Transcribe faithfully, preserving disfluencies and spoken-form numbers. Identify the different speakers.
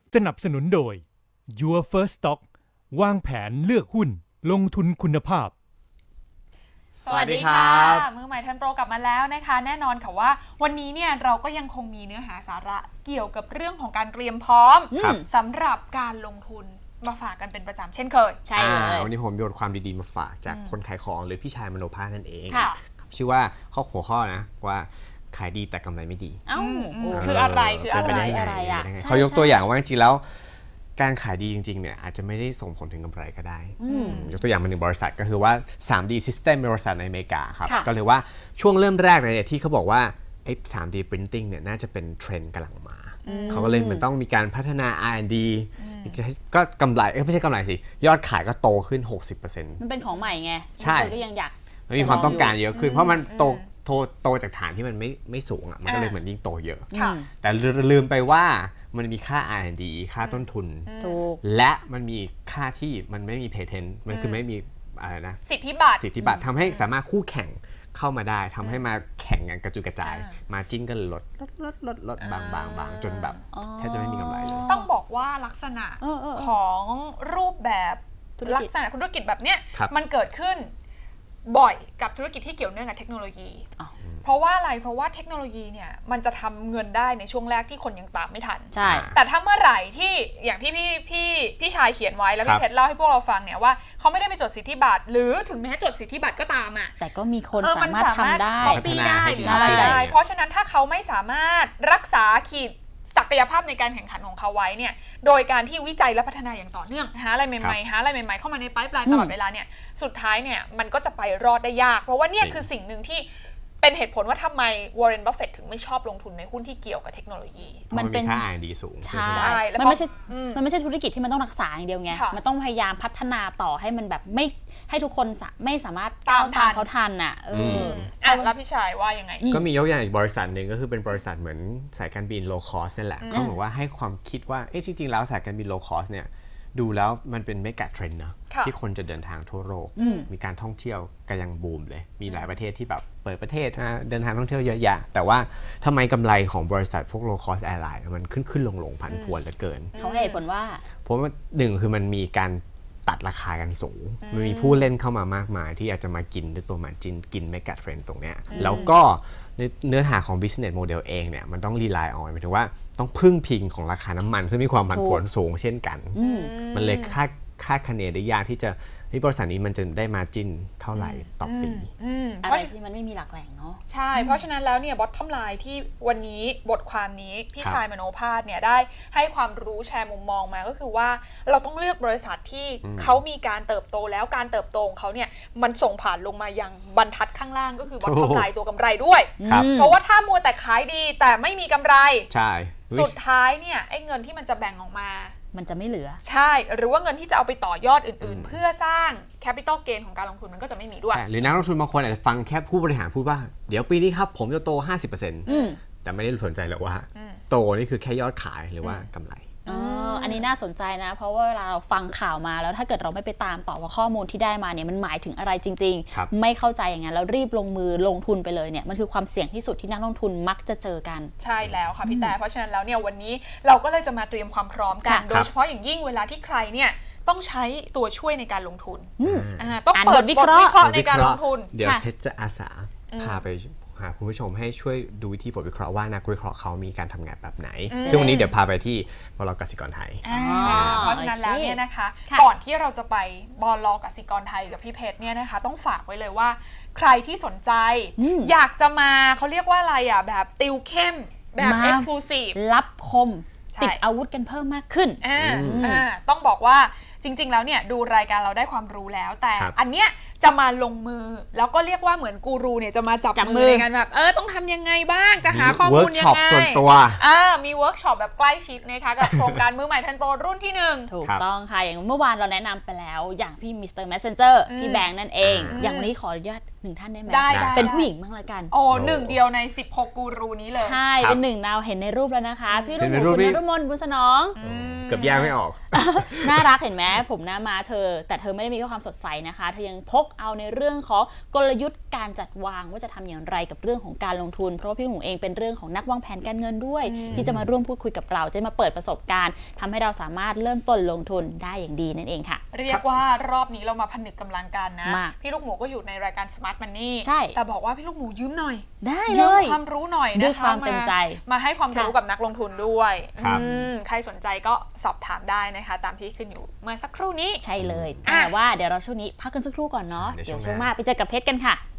Speaker 1: สนับสนุนโดย Your First Stock วางแผนเลือกหุ้นลงทุนคุณภาพ
Speaker 2: สวัสดีค่ะมือใหม่ทันโปรกลับมาแล้วนะคะแน่นอนค่ะว่าวันนี้เนี่ยเราก็ยังคงมีเนื้อหาสาระเกี่ยวกับเรื่องของการเตรียมพร้อมสำหรับการลงทุนมาฝากกันเป็นประจำเช่นเคย
Speaker 3: ใช่เลยวันนี้ผมมีบทความดีๆมาฝากจากคนขายของหรือพี่ชายมโนภาสนั่นเองชื่อว่าข้อหัวข้อนะว่าขายดีแต่กำไรไม่ดี
Speaker 2: อ้าวคืออะไรคืออะไร
Speaker 3: อะไรอ่ะเขายกตัวอย่างว่าจริงๆแล้วการขายดีจริงๆเนี่ยอาจจะไม่ได้ส่งผลถึงกำไรก็ได้ยกตัวอย่างมาหนึ่งบริษัทก็คือว่า ทรี ดี System เป็นบริษัทในอเมริกาครับก็เลยว่าช่วงเริ่มแรกเนี่ยที่เขาบอกว่าไอ้ ทรี ดี Printing เนี่ยน่าจะเป็นเทรนด์กำลังมาเขาก็เลยมันต้องมีการพัฒนา อาร์ แอนด์ ดี ก็กำไรไม่ใช่กำไรสิยอดขายก็โตขึ้น หกสิบเปอร์เซ็นต์
Speaker 4: มันเป็นของใหม่ไง
Speaker 3: ใช่
Speaker 4: ก็ยังอยาก
Speaker 3: มันมีความต้องการเยอะขึ้นเพราะมันโตโตโตจากฐานที่มันไม่ไม่สูงอ่ะมันก็เลยเหมือนยิ่งโตเยอะแต่ลืมไปว่ามันมีค่า อาร์ แอนด์ ดี ค่าต้นทุนและมันมีค่าที่มันไม่มีเพเทนต์มันคือไม่มีอะไรนะ
Speaker 2: สิทธิบัตร
Speaker 3: สิทธิบัตรทำให้สามารถคู่แข่งเข้ามาได้ทำให้มาแข่งกันกระจุยกระจายมาจิ้นกันลดลดลดลดลดบางบางบางจนแบบแทบจะไม่มีกำไรเลย
Speaker 2: ต้องบอกว่าลักษณะของรูปแบบลักษณะธุรกิจแบบเนี้ยมันเกิดขึ้นบ่อยกับธุรกิจที่เกี่ยวเนื่องกับเทคโนโลยีเพราะว่าอะไรเพราะว่าเทคโนโลยีเนี่ยมันจะทำเงินได้ในช่วงแรกที่คนยังตามไม่ทัน
Speaker 4: ใช่
Speaker 2: แต่ถ้าเมื่อไหร่ที่อย่างที่พี่พี่พี่ชายเขียนไว้แล้วพี่เพชรเล่าให้พวกเราฟังเนี่ยว่าเขาไม่ได้ไปจดสิทธิบัตรหรือถึงแม้จดสิทธิบัตรก็ตามอ่ะ
Speaker 4: แต่ก็มีคนสามารถทำได้
Speaker 2: พัฒนาได้หรืออะไรได้เพราะฉะนั้นถ้าเขาไม่สามารถรักษาขีดศักยภาพในการแข่งขันของเขาไว้เนี่ยโดยการที่วิจัยและพัฒนาอย่างต่อเนื่องหาอะไรใหม่ๆหาอะไรใหม่ๆเข้ามาในไพป์ไลน์ตลอดเวลาเนี่ยสุดท้ายเนี่ยมันก็จะไปรอดได้ยากเพราะว่าเนี่ยคือสิ่งหนึ่งที่เป็นเหตุผลว่าทำไมวอร์เรน บัฟเฟตต์ถึงไม่ชอบลงทุนในหุ้นที่เกี่ยวกับเทคโนโลยี
Speaker 3: มันเป็นค่า อาร์ แอนด์ ดี สูง
Speaker 4: ใช่มันไม่ใช่มันไม่ใช่ธุรกิจที่มันต้องรักษาอย่างเดียวไงมันต้องพยายามพัฒนาต่อให้มันแบบไม่ให้ทุกคนไม่สามารถตามทันเขาทันอ่ะเออ
Speaker 2: แล้วพี่ชายว่ายังไง
Speaker 3: ก็มียกอย่างอีกบริษัทหนึ่งก็คือเป็นบริษัทเหมือนสายการบิน low cost นั่นแหละเขาบอกว่าให้ความคิดว่าเอ๊ะจริงๆแล้วสายการบิน low cost เนี่ยดูแล้วมันเป็นเมกะเทรนด์นะที่คนจะเดินทางทั่วโลกมีการท่องเที่ยวก็ยังบูมเลยมีหลายประเทศที่แบบเปิดประเทศนะเดินทางท่องเที่ยวเยอะแยะแต่ว่าทำไมกำไรของบริษัทพวก low cost airline มันขึ้นขึ้นลงลงผันผวนเหลือเกิน
Speaker 4: เขาให้ผลว่า
Speaker 3: เพราะว่าหนึ่งคือมันมีการตัดราคากันสูงมันมีผู้เล่นเข้ามามากมายที่อยากจะมากินด้วยตัวมันจินกินเมกะเทรนด์ตรงเนี้ยแล้วก็เนื้อหาของ business model เองเนี่ยมันต้อง rely on หมายถึงว่าต้องพึ่งพิงของราคาน้ำมันซึ่งมีความผันผวนสูงเช่นกันมันเลยคาดคาดคะเนได้ยากที่จะที่บริษัทนี้มันจะได้มาจิ้นเท่าไหร่ต่อปี
Speaker 4: อะไรที่มันไม่มีหลักแหล่งเนาะ
Speaker 2: ใช่เพราะฉะนั้นแล้วเนี่ย bottom line ที่วันนี้บทความนี้พี่ชายมโนภาสเนี่ยได้ให้ความรู้แชร์มุมมองมาก็คือว่าเราต้องเลือกบริษัทที่เขามีการเติบโตแล้วการเติบโตของเขาเนี่ยมันส่งผ่านลงมายังบรรทัดข้างล่างก็คือ bottom line ตัวกำไรด้วยเพราะว่าถ้ามัวแต่ขายดีแต่ไม่มีกำไร
Speaker 3: ใช่
Speaker 2: สุดท้ายเนี่ยไอ้เงินที่มันจะแบ่งออกมา
Speaker 4: มันจะไม่เหลือ
Speaker 2: ใช่หรือว่าเงินที่จะเอาไปต่อยอดอื่นๆเพื่อสร้างแคปิตอลเกนของการลงทุนมันก็จะไม่มีด้วย
Speaker 3: หรือนักลงทุนบางคนอาจจะฟังแค่ผู้บริหารพูดว่าเดี๋ยวปีนี้ครับผมจะโต ห้าสิบเปอร์เซ็นต์ แต่ไม่ได้สนใจหรอกว่าโตนี่คือแค่ยอดขายหรือว่ากำไร
Speaker 4: อันนี้น่าสนใจนะเพราะว่าเวลาเราฟังข่าวมาแล้วถ้าเกิดเราไม่ไปตามต่อว่าข้อมูลที่ได้มาเนี่ยมันหมายถึงอะไรจริงๆไม่เข้าใจอย่างนั้นแล้วรีบลงมือลงทุนไปเลยเนี่ยมันคือความเสี่ยงที่สุดที่นักลงทุนมักจะเจอกัน
Speaker 2: ใช่แล้วค่ะพี่แต่เพราะฉะนั้นแล้วเนี่ยวันนี้เราก็เลยจะมาเตรียมความพร้อมกันโดยเฉพาะอย่างยิ่งเวลาที่ใครเนี่ยต้องใช้ตัวช่วยในการลงทุนต้องเปิดบทวิเคราะห์ในการลงทุน
Speaker 3: เดี๋ยวเพชรจะอาสาพาไปหาคุณผู้ชมให้ช่วยดูวิธีบทวิเคราะห์ว่านักวิเคราะห์เขามีการทำงานแบบไหนซึ่งวันนี้เดี๋ยวพาไปที่บล.กสิกรไทย
Speaker 2: เพราะฉะนั้นแล้วเนี่ยนะคะก่อนที่เราจะไปบล.กสิกรไทยกับพี่เพชรเนี่ยนะคะต้องฝากไว้เลยว่าใครที่สนใจอยากจะมาเขาเรียกว่าอะไรอ่ะแบบติวเข้มแบบ exclusive
Speaker 4: รับคมติดอาวุธกันเพิ่มมากขึ้น
Speaker 2: ต้องบอกว่าจริงๆแล้วเนี่ยดูรายการเราได้ความรู้แล้วแต่อันเนี้ยจะมาลงมือแล้วก็เรียกว่าเหมือนกูรูเนี่ยจะมาจับมือในการแบบเออต้องทำยังไงบ้างจะหาข้อมูลยังไง
Speaker 3: ส่วนตัว
Speaker 2: อ่ามีเวิร์กช็อปแบบใกล้ชิดนะคะกับโครงการมือใหม่ทันโปรรุ่นที่หนึ่ง
Speaker 4: ถูกต้องค่ะอย่างเมื่อวานเราแนะนำไปแล้วอย่างพี่มิสเตอร์แมสเซนเจอร์พี่แบงค์นั่นเองอย่างวันนี้ขออนุญาตหนึ่งท่านได้ไหม
Speaker 2: ได้
Speaker 4: เป็นผู้หญิงบ้างละกัน
Speaker 2: โอ้หนึ่งเดียวในสิบหกกูรูนี้เลย
Speaker 4: ใช่เป็นหนึ่งเราเห็นในรูปแล้วนะคะพี่รุ่งคุณนฤมลบุญสนอง
Speaker 3: เกือบแยกไม่ออก
Speaker 4: น่ารักเห็นไหมผมหน้ามาเธอแต่เธอไม่ได้มีแค่ความสดใสนะคะเธอยังพกเอาในเรื่องของกลยุทธ์การจัดวางว่าจะทำอย่างไรกับเรื่องของการลงทุนเพราะว่าพี่ลูกหมูเองเป็นเรื่องของนักวางแผนการเงินด้วยที่จะมาร่วมพูดคุยกับเราจะมาเปิดประสบการณ์ทำให้เราสามารถเริ่มต้นลงทุนได้อย่างดีนั่นเองค่ะ
Speaker 2: เรียกว่ารอบนี้เรามาผนึกกำลังกันนะพี่ลูกหมูก็อยู่ในรายการ Smart Money
Speaker 4: ใช่
Speaker 2: แต่บอกว่าพี่ลูกหมูยืมหน่อย
Speaker 4: ได้
Speaker 2: ยื
Speaker 4: เลย
Speaker 2: มความรู้หน่อยนะคะ
Speaker 4: ด้วยความเต็มใจ
Speaker 2: มาให้ความรู้กับนักลงทุนด้วยใครสนใจก็สอบถามได้นะคะตามที่ขึ้นอยู่เมื่อสักครู่นี้
Speaker 4: ใช่เลยแต่ว่าเดี๋ยวเราช่วงนี้พักกันสักครู่ก่อนเนาะเดี๋ยวช่วงหน้าไปเจอกับเพชรกันค่ะ